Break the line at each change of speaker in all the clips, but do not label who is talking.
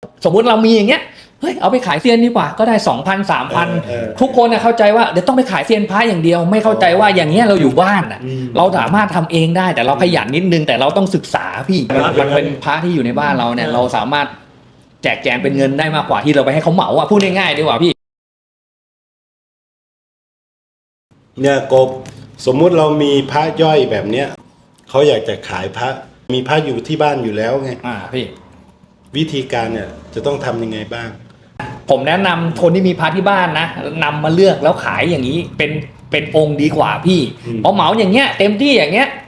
สมมุติเรามีอย่างเงี้ยเฮ้ยเอาไปขายเซียนดีกว่าก็ได้ 2,000 3,000 ทุกคนเข้าใจว่าเดี๋ยวต้องไปขายเซียนพระอย่างเดียวไม่เข้าใจว่าอย่างเงี้ยเราอยู่บ้านเราสามารถทำเองได้แต่เราขยันนิดนึงแต่เราต้องศึกษาพี่มันเป็นพระที่อยู่ในบ้านเราเนี่ยเราสามารถแจกแจงเป็นเงินได้มากกว่าที่เราไปให้เขาเหมาพูดง่ายๆดีกว่าพี่
เนี่ยกบสมมุติเรามีพระย่อยแบบเนี้ยเขาอยากจะขายพระมีพระอยู่ที่บ้านอยู่แล้วไง
พี่
วิธีการเนี่ยจะต้องทำยังไงบ้าง
ผมแนะนำคนที่มีพระที่บ้านนะนำมาเลือกแล้วขายอย่างนี้เป็นองค์ดีกว่าพี่เพราะเหมาอย่างเงี้ยเต็มที่อย่างเงี้ย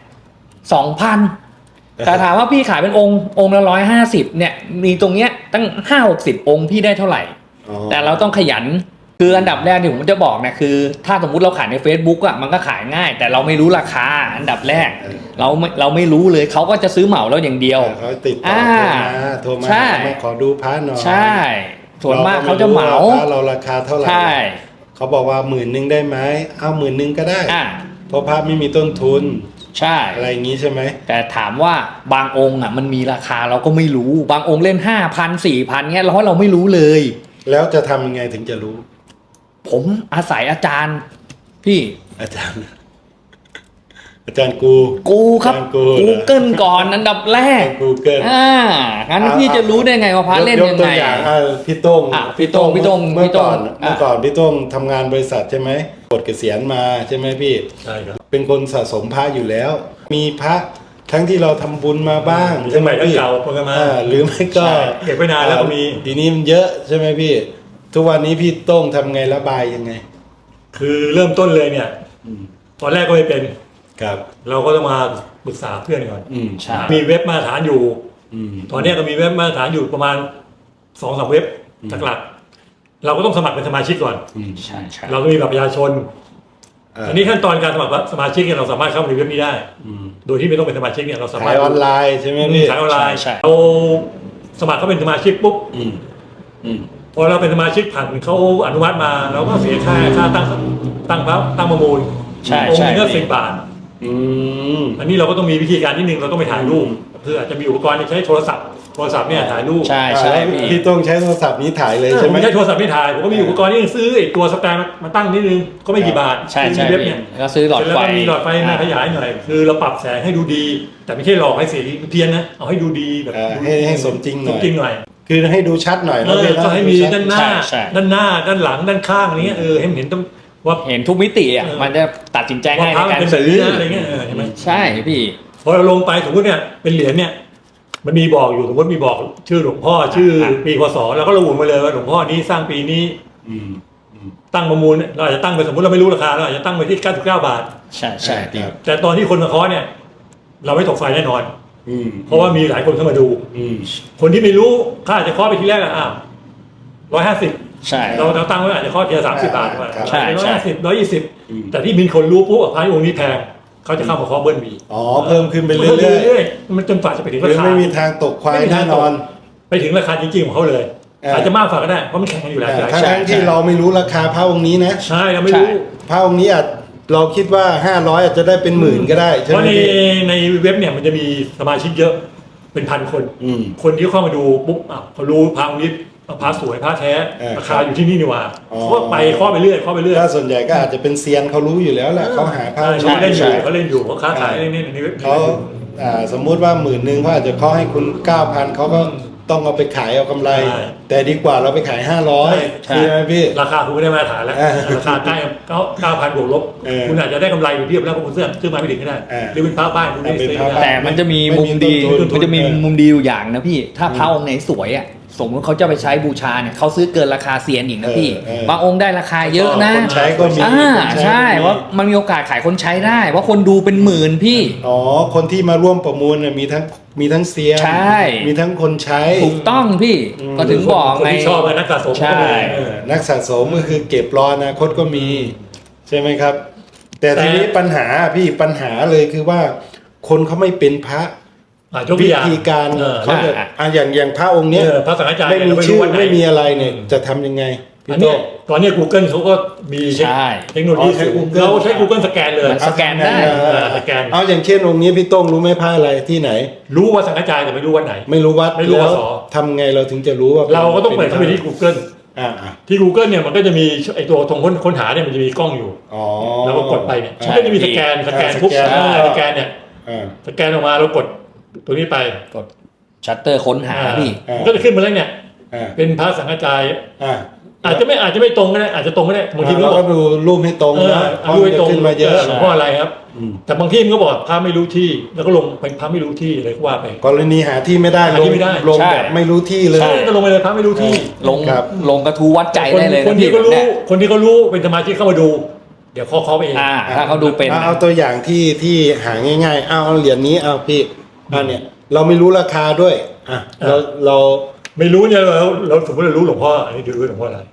2,000 แต่ถามว่าพี่ขายเป็นองค์ละ150เนี่ยมีตรงเนี้ยตั้ง 5-60 องค์พี่ได้เท่าไหร่แต่เราต้องขยันคืออันดับแรกที่ผมจะบอกเนี่ยคือถ้าสมมุติเราขายใน Facebook อ่ะมันก็ขายง่ายแต่เราไม่รู้ราคาอันดับแรกเราไม่รู้เลยเขาก็จะซื้อเหมาเราอย่างเดียว
เขาติดต่อโทรมาขอดูพระหน่อย
ใช่ส่วนมากเขาจะเหมา
พระเราราคาเท่าไหร่
ใช่
เขาบอกว่า10,000ได้ไหมเอา10,000ก็ได้เพราะพระไม่มีต้นทุน
ใช่
อะไรอย่างนี้ใช่ไหม
แต่ถามว่าบางองค์อ่ะมันมีราคาเราก็ไม่รู้บางองค์เล่น 5,000 4,000เงี้ยเราไม่รู้เลย
แล้วจะทำยังไงถึงจะรู้
ผมอาศัยอาจารย์พี่
อาจารย์กู
ครับGoogle ก่อนอันดับแรก
Google
งั้นพี่จะรู้ได้ไงว่าพระเล่นยังไง
พี่โต้ง
เมื่อก่อน
พี่โต้งทำงานบริษัทใช่ไหมปลดเกษียณมาใช่ไหมพี่
ใช่ครับ
เป็นคนสะสมพระอยู่แล้วมีพระทั้งที่เราทำบุญมาบ้าง
ใช่ไหมพี่เก่าก็มา
หรือไม่ก็
เก็บไว้นานแล้วก็มี
ทีนี้มันเยอะใช่ไหมพี่ทุกวันนี้พี่โต้งทำไงระบายยังไง
คือเริ่มต้นเลยเนี่ยตอนแรกก็ไม่เป็น
ครับ
เราก็ต้องมาปรึกษาเพื่อนก่อน
ใช่
มีเว็บมาตรฐานอยู่ตอนนี้ก็มีเว็บมาตรฐานอยู่ประมาณ 2-3 เว็บหลักๆเราก็ต้องสมัครเป็นสมาชิกก่อน
ใช่
เราก็มีบัตรประชาชนอันนี้ขั้นตอนการสมัครสมาชิกเนี่ยเราสามารถเข้าในเว็บนี้ได้โดยที่ไม่ต้องเป็นสมาชิกเนี่ยเราสามารถ
ขายออนไลน์ใช่ไหมพี่
ขายออนไลน์เราสมัครเข้าเป็นสมาชิกปุ๊บพอเราเป็นสมาชิกผ่านเขาอนุมัติมาเราก็เสียค่าตั้งประมูลองค์นึงก็10 บาทอันนี้เราก็ต้องมีวิธีการนิดนึงเราต้องไปถ่ายรูปคืออาจจะมีอุปกรณ์ใช้โทรศัพท์เนี่ยถ่ายรูป
ใช่
พี่ต้องใช้โทรศัพท์นี้ถ่ายเลยใช่ไหม
ไม่ใช่โทรศัพท์ไม่ถ่ายผมก็มีอุปกรณ์ที่ซื้อตัวสแตนมาตั้งนิดนึงก็ไม่กี่บาท
ใช่เว็บเนี่ย
ก็
ซื้อหลอดไฟ
มีหลอดไฟมาขยายหน่อยคือเราปรับแสงให้ดูดีแต่ไม่ใช่หลอกให้สีเพี้ยนนะเอาให้ดูดีแบบ
ให้สมจริงหน่อยคือให้ดูชัดหน่อย
แล้วก็ให้มีด้านหน้าด้านหลังด้านข้างอะไรเงี้ยให้เห็นต้องว่า
เห็นทุกมิติอ่ะมันจะตัดสินใจง่ายในการซื้อ
อะไรเงี้ยใช่ไหม
ใช่พี่
พอเราลงไปสมมติเนี่ยเป็นเหรียญเนี่ยมันมีบอกอยู่สมมติมีบอกชื่อหลวงพ่อชื่อปีพศแล้วก็ระบุมาเลยว่าหลวงพ่อนี้สร้างปีนี้ตั้งประมูลเราอาจจะตั้งไปสมมติเราไม่รู้ราคาเราอาจจะตั้งไปที่99 บาท
ใช่
แต่ตอนที่คนมาเคาะเนี่ยเราไม่ตกไฟแน่นอนเพราะว่ามีหลายคนเข้ามาดูคนที่ไม่รู้เขาอาจจะเคาะไปทีแรก150
ใช่
เราตั้งไว้อาจจะข้อเทีย30 บาท
ใช่
150 แต่ที่มีคนรู้ปุ๊บพระองค์นี้แพงเขาจะเข้ามาเคาะเบิ้ลมี
เพิ่มขึ้นไปเรื่อย
ๆมันจนฝ่าจะไปถึงราคา
ไม่มีทางตกควายแน่นอน
ไปถึงราคาจริงๆของเขาเลยอาจจะมากฝ่าก็ได้เพราะมันแข่งกันอยู่แล้ว
ทั้งที่เราไม่รู้ราคาพระองค์นี้นะ
ใช่เราไม่รู้
พระองค์นี้อาจเราคิดว่า500อาจจะได้เป็น10,000ก็ได้
เพราะในเว็บเนี่ยมันจะมีสมาชิกเยอะเป็น1,000 คนที่เข้ามาดูปุ๊บเขารู้พระองค์นี้พระสวยพระแท้ราคาอยู่ที่นี่นี่ว่าเขาไปเคาะไปเรื่อยถ้
าส่วนใหญ่ก็อาจจะเป็นเซียนเขารู้อยู่แล้วแหละเขาหาพระ
เขาเล่นอยู่เขาค้าขายนี่
เขาสมมุติว่า10,000เขาอาจจะเคาะให้คุณ 9,000เขาก็ต้องเอาไปขายเอากำไรแต่ดีกว่าเราไปขาย500ใช่ไหมพี่
ราคาคุณไม่ได้มาตรฐานแล้วราคาใกล้9,000 บวกลบคุณอาจจะได้กำไรอยู่เทียบแล้วเพราะคุณซื้อมาไม่ถึงก็ได้หรือเป็นพระบ้านคุณได้ซื้อ
แต่มันจะมีมุมดีอยู่อย่างนะพี่ถ้าพระองค์ไหนสวยอ่ะสมมติเขาจะไปใช้บูชาเนี่ยเขาซื้อเกินราคาเซียนอีกนะพี่บางองค์ได้ราคาเยอะนะ
คนใช้ก็มี
ใช่ว่ามันมีโอกาสขายคนใช้ได้ว่าคนดูเป็น10,000พี่
คนที่มาร่วมประมูลมีทั้งเซียนมีทั้งคนใช้
ถูกต้องพี่ก็ถึงบอกไง
ชอบนักสะสม
ใช่
นักสะสมก็คือเก็บรออนาคตก็มีใช่ไหมครับแต่ทีนี้ปัญหาเลยคือว่าคนเขาไม่เป็นพระวิธีการเขาจะอย่างพระองค์เนี้ย
พระสังฆจารย์
ไม่มีชื่อไม่มีอะไรเนี่ยจะทำยังไง
อันเนี้ยตอนนี้ Google เขาก็มี
ใช่
เทคโนโลยีเราใช้ Google สแกนเลย
มันสแกนได้
สแกน
เอาอย่างเช่นองค์นี้พี่โต้งรู้ไหมผ้าอะไรที่ไหน
รู้ว่าสังกัจจายแต่ไม่รู้วันไหน
ไม่รู้วัด
ไม่รู้
แล้ว
ส
ทำไงเราถึงจะรู้ว่า
เราก็ต้องเปิดเข้าไปที่ Google ที่ Google เนี่ยมันก็จะมีไอตัวตรงค้นหาเนี่ยมันจะมีกล้องอยู่
อ๋อ
แล้วก็กดไปเนี่ยมันก็จะมีสแกนทุกสแกนเนี่ยสแกนออกมาเรากดตัวนี้ไป
กดชัตเตอร์ค้นหาพี่
มันก็จะขึ้นมาแล้วเนี่ยเป็นพระสังฆจายอาจจะไม่ตรงก็ได้อาจจะตรงก็ได้บางทีมัน
เราก็ดูรูปให้ตรงนะรูปให้ตรง
มาเยอะ
มาเยอะ
หลวงพ่ออะไรครับแต่บางที่มันก็บอกพระไม่รู้ที่แล้วก็ลงเป็นพระไม่รู้ที่อะไรก็ว่าไป
กรณีหาที่ไม่ได้
หาที่ไม่ได้
ลงแบบไม่รู้ที่เลย
ใช่ก็ลงไปเลยพระไม่รู้ที่
ลงกระทูวัดใจได้เลย
คนที่ก็รู้คนที่เขารู้เป็นสมาชิกเข้ามาดู เดี๋ยวเขาไปเอง
ถ้าเขาดูเป็น
เอาตัวอย่างที่หาง่ายๆเอาเหรียญนี้เอาพี่เนี่ยเราไม่รู้ราคาด้วยเรา
ไม่รู้เนี่ยเราสมมติเรารู้หลวงพ่ออันนี้ดูหลวงพ่ออะไร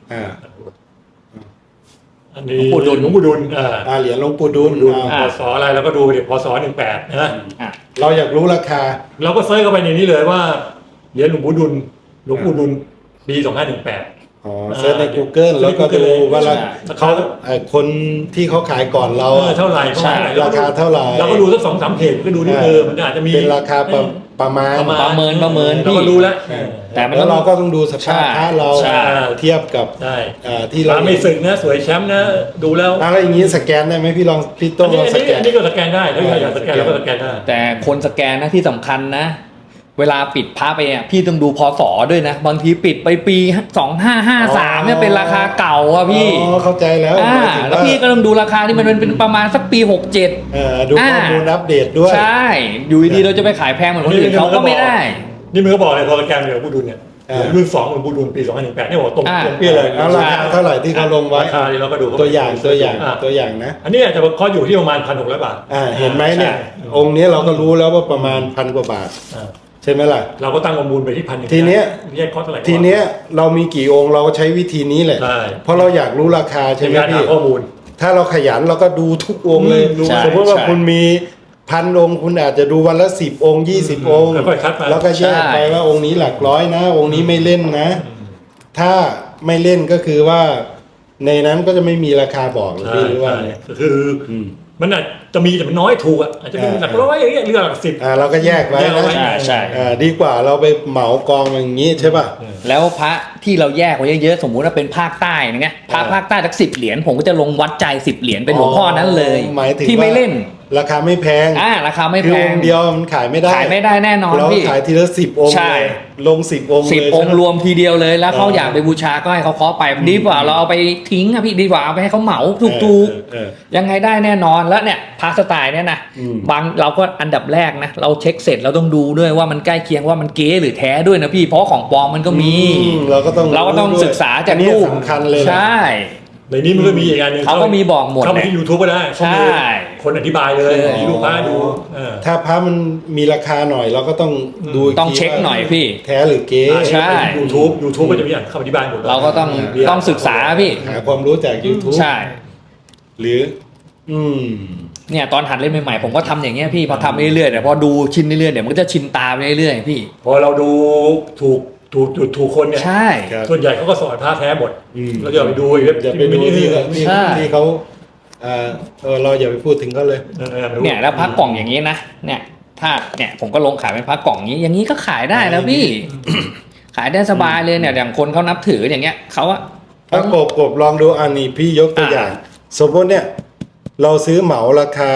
อันนี้หลวงปู่ดุล
เหรียญหลวงปู่ดุล
พศอะไรเราก็ดูเดี๋ยวพศ18นะ
เราอยากรู้ราคา
เราก็เซิร์ชเข้าไปในนี้เลยว่าเหรียญหลวงปู่ดุลปี2518
เซิร์ชใน Google แล้วก็ดูว่าเขาคนที่เขาขายก่อนเรา
เท่าไหร่
ราคาเท่าไหร่
เราก็ดูสัก 2-3 เพจก็ดูนี่มันอาจจะมี
เป็นราคาประมาณ
เราก็รู้แล้ว
แต่แล้วเราก็ต้องดูสภาพพระเราเทียบกับที่เรา
ไม่สึกนะสวยแชมป์นะดูแล้ว
อะไรอย่างนี้สแกนได้ไหมพี่ลองพี่โต้งลองสแกน
นี่ก็สแกนได้ถ้าอยากสแกนเราก็สแกนได้
แต่คนสแกนนะที่สำคัญนะเวลาปิดพระไปพี่ต้องดูพศด้วยนะบางทีปิดไปปี2553เนี่ยเป็นราคาเก่าอ่ะพี่
เข้าใจแล้ว
แล้วพี่ก็ต้องดูราคาที่มันเป็นประมาณสักปี
ดูข้อมูลอัปเดตด้วย
ใช่อยู่ดีๆเราจะไปขายแพงเหมือนคนอื่นเขาก็ไม่ได้
นี่มันก็บอกเลยพอสแกนเดี๋ยวผู้ดุลเนี่ยรุ่น2หลวงปู่ดุลปี2018นี่บอกตรงเปี้ยเลย
แล้วราคาเท่าไหร่ที่เขาลงไว้
ราคาเราก็ดู
ตัวอย่างนะ
อันนี้อาจจะเขาอยู่ที่ประมาณ1,600 บาท
เห็นไหมเนี่ยองค์นี้เราก็รู้แล้วว่าประมาณ1,000 กว่าบาทใช่ไหมล่ะ
เราก็ตั้งประมูลไปที่1,000
ทีเนี้ย
ที
เนี้ยเรามีกี่องค์เราใช้วิธีนี้แหละเพราะเราอยากรู้ราคาใช่ไหมพี่
ข้อมูล
ถ้าเราขยันเราก็ดูทุกองค์เลยสมมติว่าคุณมี1,000 องค์คุณอาจจะดูวันละ10 องค์20 องค์แล้วก็แยกไปว่าองค์นี้หลักร้อยนะองค์นี้ไม่เล่นนะถ้าไม่เล่นก็คือว่าในนั้นก็จะไม่มีราคาบอกหรือว่า
คือมันอาจจะมีแต่มันน้อยถูกอาจจะเป็นหลักร้อยอย่างเงี้ยหรือหลัก10
เราก็แยกไว้นะ
ใช่
ดีกว่าเราไปเหมากองอย่างนี้ใช่ป่ะ
แล้วพระที่เราแยกไว้เยอะๆสมมุติว่าเป็นภาคใต้อย่างเงี้ยภาคใต้สัก10 เหรียญผมก็จะลงวัดใจ10 เหรียญเป็นหลวงพ่อนั้นเลยที่ไม่เล่น
ราคาไม่แพง
ราคาไม่แพง
เดียวมันขายไม่ได้
แน่นอนพี่
เราขายทีละ10 องค์ลง10 องค์
10 องค์รวมทีเดียวเลยแล้วเขาอยากไปบูชาก็ให้เขาเคาะไปดีกว่าเราเอาไปทิ้งพี่ดีกว่าเอาไปให้เขาเหมาถูกๆยังไงได้แน่นอนแล้วเนี่ยพาสไตล์เนี่ยนะบางเราก็อันดับแรกนะเราเช็คเสร็จเราต้องดูด้วยว่ามันใกล้เคียงว่ามันเก๊หรือแท้ด้วยนะพี่เพราะของปลอมมันก็มี
เราก็ต้อง
ศึกษาจากรูป
สำคัญเลย
ใช่
ในนี้มันก็มีอีกอันนึง
เขาก็มีบอกหมด
เข้าไปที่ YouTube ก็ได้ใช่คนอธิบายเลยดูพระดู
ถ้าพระมันมีราคาหน่อยเราก็ต้องดู
ต้องเช็คหน่อยพี่
แท้หรือเก๊
ใช่
YouTube ก็จะมีคำอธิบายหมด
เราก็ต้องศึกษาพี่
หาความรู้จาก YouTube
ใช่
หรือ
เนี่ยตอนหัดเล่นใหม่ๆผมก็ทำอย่างเงี้ยพี่พอทำเรื่อยๆแต่พอดูชินเรื่อยๆเดี๋ยวมันก็จะชินตาไปเรื่อยๆพี่
พอเราดูถูกคนเนี่ย
ใช่
ส่วนใหญ่เขาก็สอนพระแท้หมดเราอย่าไปดู
อย่าไปดูที่เขาเราอย่าไปพูดถึงเขาเลย
เนี่ยแล้วพระกล่องอย่างนี้นะเนี่ยถ้าเนี่ยผมก็ลงขายเป็นพระกล่องอย่างนี้ก็ขายได้แล้วพี่ขายได้สบายเลยเนี่ยอย่างคนเขานับถืออย่างเงี้ยเขาอะ
กบลองดูอันนี้พี่ยกตัวอย่างสมมติเนี่ยเราซื้อเหมาราคา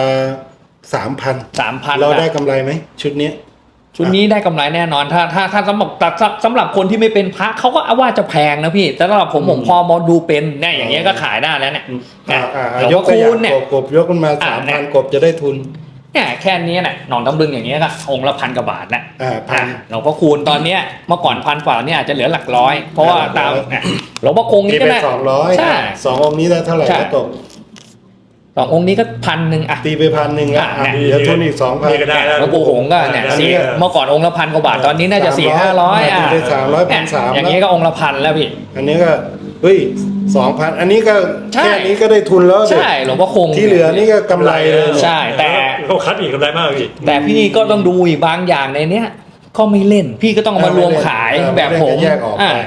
3,000 เราได้กำไรไหมชุดนี้
ได้กำไรแน่นอนถ้าสำหรับคนที่ไม่เป็นพระเขาก็ว่าจะแพงนะพี่แต่สำหรับผมพอมาดูเป็นเนี่ยอย่างเงี้ยก็ขายได้แล้วเนี่ย
ยกตัวอย่างกบยกมันมา 3,000 กบจะได้ทุน
เนี่ยแค่นี้น่ะหนอนตำลึงอย่างเงี้ยก็องค์ละ1,000 กว่าบาทนะหลวงพ่อคูณตอนเนี้ยเมื่อก่อน1,000 กว่าเนี่ยอาจจะเหลือหลักร้อยเพราะว่าตามหลวงพ่อคงนี่ก็ได้
200ใช่2 องค์นี้ได้เท่าไหร่ก็ตก
2 องค์นี้ก็1,000อ่ะ
ตีไป1,000ละเดี๋ยวทุนอีก 2,000
ก็ได้
แล้วปู่หงก็เนี่ยเมื่อก่อนองค์ละ1,000 กว่าบาทตอนนี้น่าจะ400-500
ตีไป300 1,300
อย่างเงี้ยก็องค์ละ1,000แล้วพี่
อันนี้ก็2,000อันนี้ก็แค่นี้ก็ได้ทุนแล้ว
ใช่หลวงพ่อคง
ที่เหลือนี่ก็กำไรเลย
ใช่แต่
เขาคัดอีกกำไรมากพี่
แต่พี่ก็ต้องดูอีกบางอย่างในเนี้ยก็ไม่เล่นพี่ก็ต้องมารวมขายแบบผม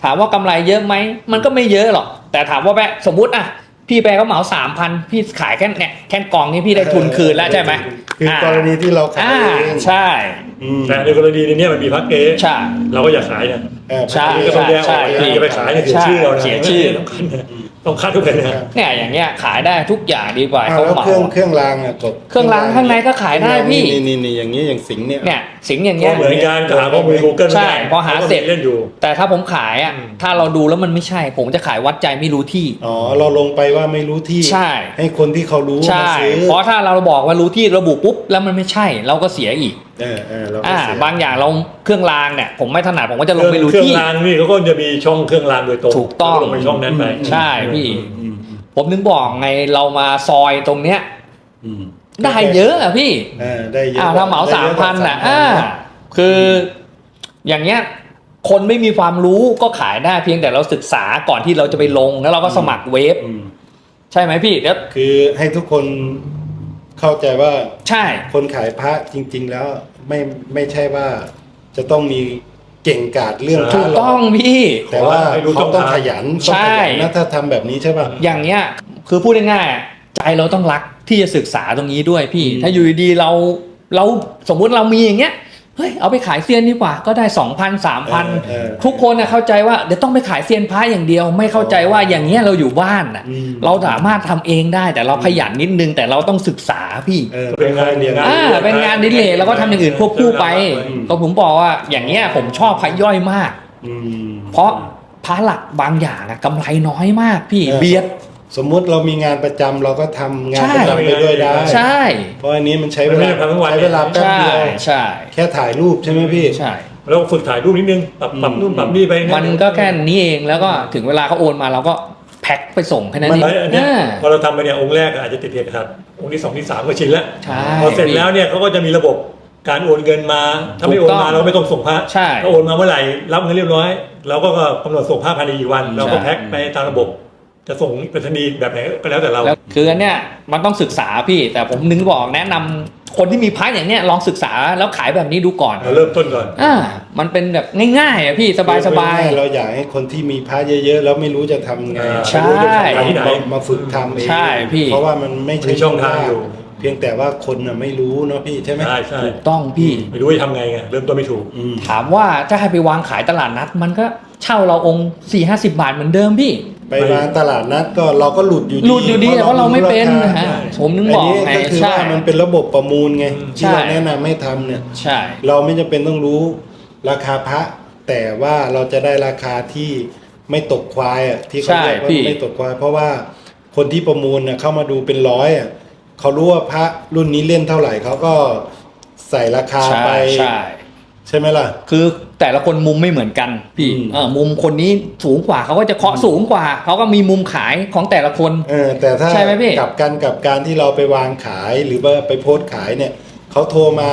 ถามว่ากำไรเยอะไหมมันก็ไม่เยอะหรอกแต่ถามว่าแปะสมมุติอ่ะพี่แปะเขาเหมา 3,000 พี่ขายแค่เนี่ยแค่กองนี้พี่ได้ทุนคืนแล้วใช่ไหม
คือกรณีที่เราขายเอง
ใช่
แต่ในกรณีนี้มันมีพักเก๊
ใช่
เราก็อย่าขายเนี่ย
ใช่
นี่ก็ต้องแยกออกอย่าไปขายเนี่ยเสียชื่อเรานะ
เสียชื่อ
ต้องคัดทุกคนนะ
เนี่ยอย่างเงี้ยขายได้ทุกอย่างดีกว่า
อ้าว
เขา
แล้ว
เหมา
เครื่องรางอ่ะกบ
เครื่องรางข้างในก็ขายได้พี่
นี่อย่างนี้อย่างสิงห์เนี่ย
เนี่ยสิงห์อย่าง
ก็
เงี้ย
เหมือนกันจะหาข้อมูล Google
ใช่พอหาเสร็จ
เล่นอยู่
แต่ถ้าผมขายอ่ะ
อืม
ถ้าเราดูแล้วมันไม่ใช่ ผมจะขายวัดใจไม่รู้ที่
อ๋อเราลงไปว่าไม่รู้ที่
ใช่
ให้คนที่เขารู้
ใช่
มาซื้อ
เพราะถ้าเราบอกว่ารู้ที่ระบุปุ๊บแล้วมันไม่ใช่ เราก็เสียอีก
เราก็เสีย
บางอย่างเราเครื่องรางเนี่ยผมไม่ถนัดผมก็จะลงไม่รู้
เครื่อง
ที่
รางนี่เขาก็จะมีช่องเครื่องรางโดยตรง
ถูกต้อง
ลงไปช่องนั้นไป
ใช่พี่ ผมนึกบอกไงเรามาซอยตรงเนี้ย ได้เยอะอะพี่
ได้เยอะ
ถ้าเหมา 3,000น่ะคืออย่างเงี้ยคนไม่มีความรู้ก็ขายได้เพียงแต่เราศึกษาก่อนที่เราจะไปลงแล้วเราก็สมัครเว็บใช่ไหมพี่แล้ว
คือให้ทุกคนเข้าใจว่า
ใช่
คนขายพระจริง ๆ แล้วไม่ใช่ว่าจะต้องมีเก่งกาจเรื่องพ
ถู
ระ
ก
หร
ต้องพี่
แต่ว่าเขาต้องขยัน
ใช่
นะถ้าทำแบบนี้ใช่ป่ะ
อย่างเงี้ยคือพูดง่ายๆใจเราต้องรักที่จะศึกษาตรงนี้ด้วยพี่ ถ้าอยู่ดีๆเราสมมุติเรามีอย่างเงี้ยเฮ้ยเอาไปขายเซียนดีกว่าก็ได้ 2,000 3,000 ทุกคนเข้าใจว่าเดี๋ยวต้องไปขายเซียนพระอย่างเดียว ไม่เข้าใจว่าอย่างเงี้ยเราอยู่บ้านน่ะเราสามารถทำเองได้แต่เราขยันนิดนึงแต่เราต้องศึกษาพี่
เป็นงานเรียน
เป็นงานอดิเลกแล้วก็ทำอย่างอื่นควบคู่ไปก็ผมบอกว่าอย่างเงี้ยผมชอบพระย่อยมาก เพราะพระหลักบางอย่างกำไรน้อยมากพี่เบียด
สมมุติเรามีงานประจำเราก็ทำงานประจำไปด้วยได้
ใช่
เพราะอันนี้มันใช้เวลา
มันไม่ได้ทำทั้งวัน
ใช้เวลาแป๊บเดียว
ใช่
แค่ถ่ายรูปใช่ไหมพี่
ใช่
เราฝึกถ่ายรูปนิดนึงปรับนู่นปรับนี่ไป
มันก็แค่นี้เองแล้วก็ถึงเวลาเขาโอนมาเราก็แพ็คไปส่งแค่นั้นเอง
อันเนี้ยพอเราทำไปเนี่ยองค์แรกอาจจะติดขัดองค์ที่2ที่3ก็ชินแล้ว
ใช่
พอเสร็จแล้วเนี่ยเขาก็จะมีระบบการโอนเงินมาถ้าไม่โอนมาเราไม่ต้องส่งพระ
ใช่
ถ้าโอนมาเมื่อไหร่รับเงินเรียบร้อยเราก็กำหนดส่งพระภายในกี่วันเราก็แพ็คไปตามระบบ จะส่งไปรษณีย์แบบไหนก็แล้วแต่เรา
แล้วคืออันเนี้ยมันต้องศึกษาพี่ แต่ผมนึกบอกแนะนำคนที่มีพระอย่างเนี้ยลองศึกษาแล้วขายแบบนี้ดูก่อน
เราเริ่มต้นก่อน
มันเป็นแบบง่ายๆอ่ะพี่สบาย
เราอยากให้คนที่มีพระเยอะๆแล้วไม่รู้จะทำไง
ใช่
ไม่รู้จะทำที่ไหนมาฝึกทำเอง
ใช่พี่
เพราะว่ามันไม่ใช่
มีช่องทางอยู่
เพียงแต่ว่าคนน่ะไม่รู้เนาะพี่ใช่ไหม
ใช่ใช่
ถูกต้องพี่
ไม่รู้จะทำไงเริ่มต้นไม่ถูก
ถามว่าถ้าให้ไปวางขายตลาดนัด มันก็เช่าเราองค์ 4-50 บาทเหมือนเดิมพี่
ไปวางตลาดนัดก็เราก็หลุดอยู่ดี
หลุดอยู่ดีเพราะเราไม่เป็นนะฮะผมนึกบอก
อัน
ไง
นี้ก็คือ
ใช่
ว่ามันเป็นระบบประมูลไงที่
ใช่
เราแนะนำให้ทำเนี่ย
ใช่
เราไม่จำเป็นต้องรู้ราคาพระ แต่ว่าเราจะได้ราคาที่ไม่ตกควายอ่ะที่เขาเรียกว่าไม่ตกควาย เพราะว่าคนที่ประมูลน่ะเข้ามาดูเป็นร้อยอ่ะเขารู้ว่าพระรุ่นนี้เล่นเท่าไหร่เขาก็ใส่ราคาไป
ใช่
ใช่ไหมล่ะ
คือแต่ละคนมุมไม่เหมือนกันพี่มุมคนนี้สูงกว่าเขาก็จะเคาะสูงกว่าเขาก็มีมุมขายของแต่ละคน
แต่ถ้า
ใช่ไหมพี่
กับการที่เราไปวางขายหรือว่าไปโพสต์ขายเนี่ยเขาโทรมา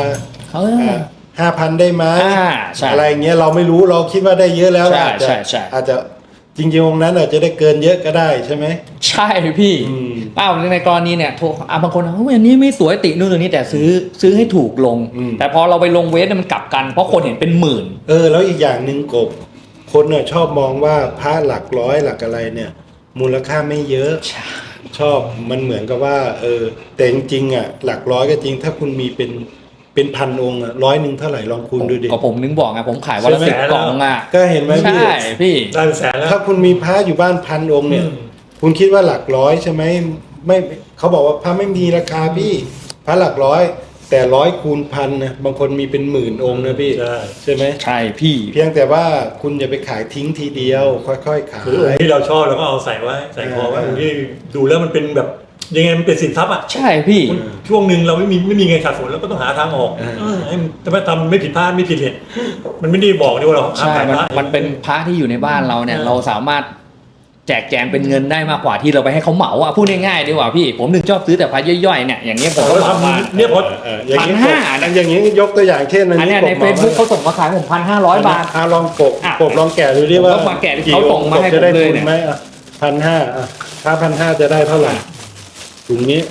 5,000 ได้ไหม
ใช่
อะไรเงี้ยเราไม่รู้เราคิดว่าได้เยอะแล้ว
ใช่
อาจจะ
ใช่
อาจจะจริงๆวงนั้นอาจจะได้เกินเยอะก็ได้ใช่ไหม
ใช่พี่ในกรณีเนี่ยโทรบางคนอันนี้ไม่สวยตินู่นนี่แต่ซื้อให้ถูกลง แต่พอเราไปลงเวทมันกลับกันเพราะคนเห็นเป็นหมื่น
แล้วอีกอย่างหนึ่งกบคนเนี่ยชอบมองว่าพระหลักร้อยหลักอะไรเนี่ย มูลค่าไม่เยอะชอบมันเหมือนกับว่าแต่จริงๆอ่ะหลักร้อยก็จริงถ้าคุณมีเป็นพันองค์อ่ะ100เท่าไหร่ลองคูณดูดิ
ก็ผมนึกบอกไงผมขายวันละ
ใช่ไหม
10 กล่องอ่ะ
ก็เห็นไหมพี่
ใช่พี่
ได้เป็นแสนแล้ว
ถ้าคุณมีพระอยู่บ้าน1,000 องค์เนี่ย คุณคิดว่าหลักร้อยใช่ไหมไม่เขาบอกว่าพระไม่มีราคาพี่พระหลักร้อยแต่100 คูณ 1,000นะบางคนมีเป็น10,000 องค์นะพี่ใช่ไหม
ใช่พี่
เพียงแต่ว่าคุณอย่าไปขายทิ้งทีเดียวค่อยๆขาย
คือองค์ที่เราชอบเราก็เอาใส่ไว้ใส่คอไว้องค์ที่ดูแล้วมันเป็นแบบยังไงมันเป็นสินทรัพย์อ่ะ
ใช่พี่
ช่วงหนึ่งเราไม่มีเงินขาดสนแล้วก็ต้องหาทางออกให้มันจะไม่ทำไม่ผิดพลาดไม่ผิดเหตุมันไม่ได้บอกนี่ว่าเรา
ใช่
ขายพระ
มันเป็นพระที่อยู่ในบ้านเราเนี่ยเราสามารถแจกแจงเป็นเงินได้มากกว่าที่เราไปให้เขาเหมาอ่ะพูดง่ายๆดีกว่าพี่ผมถึงชอบซื้อแต่พระย่อยๆเนี่ยอย่างเงี้ยผมก็
เรา
เหมามา
ทำเนี่ยพอ
อย่างนี้
1,500
อย่างนี้ยกตัวอย่างเช่น
อันเนี้ยใน Facebook เขาส่งมาขายผม1,500 บาท
ลองกบลองแกะดูดิว่า
ผมก็มาแกะเขาส่งมาให้
จะได้
ผมเลย
ทุน
เนี่ย
ไหม1,500ถ้า1,500จะได้เท่าไหร่ถุงนี้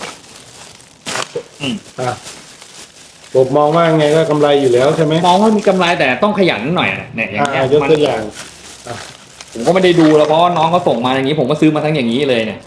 กบมองว่าไงก็กำไรอยู่แล้วใช่ไหม
มองว่ามีกำไรแต่ต้องขยันหน่อยเนี่ยอย่างเงี้ย
ยกตัวอย่าง
ผมก็ไม่ได้ดูแล้วเพราะว่าน้องเขาส่งมาอย่างนี้ผมก็ซื้อมาทั้งอย่างนี้เลยเนี่ย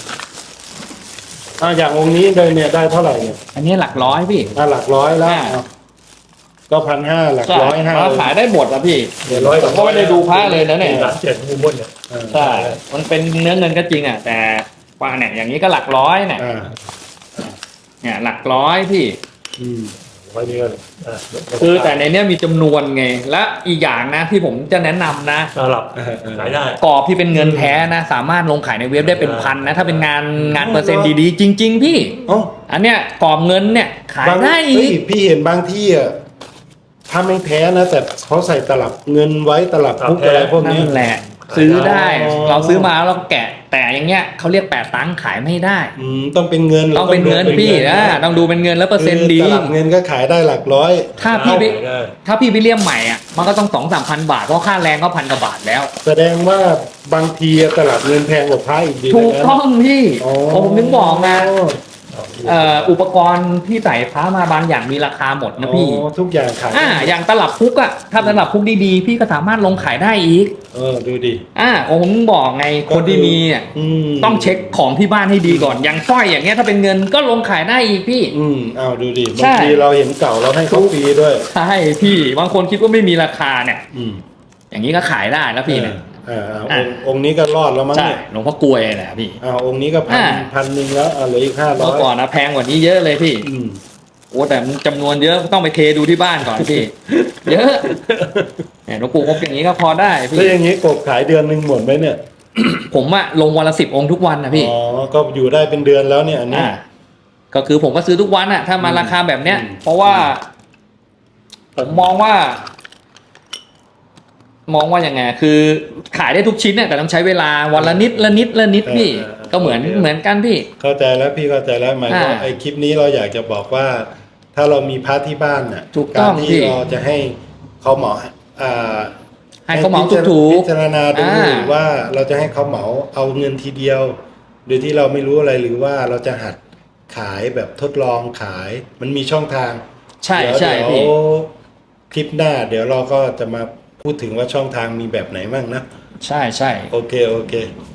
อย่างองค์นี้เลยเนี่ยได้เท่าไหร่เนี่ย
อันนี้หลักร้อยพี่
หลักร้อยแล้วก็1,500หลักร้อยห้า
ขายได้หมดอะพี่
เดี๋ยวร้อย
ผมก็ไม่ได้ดูพระเลยนะเนี่ย
หลัก7มุมบนเนี่ย
ใช่มันเป็นเนื้อเงินก็จริงอ่ะแต่ว่าเนี่ยอย่างนี้ก็หลักร้อยเนี่ยเนี่ยหลักร้อยพี่
ไว้นี่ก็
คือแต่ในเนี้ยมีจำนวนไงและอีกอย่างนะที่ผมจะแนะนำนะ
สลับขายได้
กรอบที่เป็นเงินแท้นะสามารถลงขายในเว็บได้เป็นพันนะถ้าเป็นงานเปอร์เซ็นต์ดีๆจริง ๆ พี่อันเนี้ยกรอบเงินเนี่ยขายได้อีก
พี่เห็นบางที่อ่ะถ้าไม่แท้นะแต่เขาใส่ตลับเงินไว้ตลับพุกอะไรพวกนี้
นั่นแหละซื้อได้เราซื้อมาแล้วเราแกะแต่อย่างเงี้ยเขาเรียกแปะตังค์ขายไม่ได้
ต้องเป็นเงิน
ต้องเป็นเงินพี่ต้องดูเป็นเงินแล้วเปอร์เซ็นต์ดี
ตลับเงินก็ขายได้หลักร้อย
ถ้าพี่ไปเลี่ยมใหม่อ่ะมันก็ต้อง2-3,000 บาทเพราะค่าแรงก็1,000 กว่าบาทแล้ว
แสดงว่าบางทีตลับเงินแพงกว่าพระอีกดี
ถูกต้องพี่
อ๋อ
ผมถึงบอกนะอุปกรณ์ที่ใส่พระมาบางอย่างมีราคาหมดนะพี่
ทุกอย่างขาย
อย่างตลับพุกอ่ะถ้าตลับพุกดีๆพี่ก็สามารถลงขายได้อีก
ดูดิ
ผมถึงบอกไงคนที่มีอ่ะต้องเช็คของที่บ้านให้ดีก่อนอย่างสร้อยอย่างเงี้ยถ้าเป็นเงินก็ลงขายได้อีกพี่
ดูดิบางทีเราเห็นเก่าเราให้เขาฟรีด้วย
ใช่พี่บางคนคิดว่าไม่มีราคาเนี่ยอย่างนี้ก็ขายได้แล้วพี่เนี่ย
องค์นี้ก็รอดแล้วมั้ง
ใช่
เนี่ย
หลวงพ่อกลวยแหละพี่
องค์นี้ก็พันหนึ่งแล้วเหลืออีก500
เมื่อก่อนนะแพงกว่านี้เยอะเลยพี่โอ้แต่จำนวนเยอะต้องไปเทดูที่บ้านก่อนพี่ เยอะหลวงปู่ครบอย่างนี้ก็พอได้พี่
แล้วอย่างนี้กบขายเดือนหนึ่งหมดไหมเนี่ย
ผมอะลงวันละ10 องค์ทุกวันนะพี่
ก็อยู่ได้เป็นเดือนแล้วเนี่ยอันนี้
ก็คือผมก็ซื้อทุกวันอะถ้ามาราคาแบบเนี้ยเพราะว่าผมมองว่ายังไงคือขายได้ทุกชิ้นเนี่ยแต่ต้องใช้เวลาวันละนิดละนิดพี่ก็เหมือนกันพี่
เข้าใจแล้วพี่เข้าใจแล้วหมายว่าไอ้คลิปนี้เราอยากจะบอกว่าถ้าเรามีพระที่บ้านน่ะการที่เราจะให้เขาเหมา
ให้เขาเหมาถูก
พิจารณาดูว่าเราจะให้เขาเหมาเอาเงินทีเดียวโดยที่เราไม่รู้อะไรหรือว่าเราจะหัดขายแบบทดลองขายมันมีช่องทาง
ใช่พี่
คลิปหน้าเดี๋ยวเราก็จะมาพูดถึงว่าช่องทางมีแบบไหนบ้างนะ
ใช่
โอเค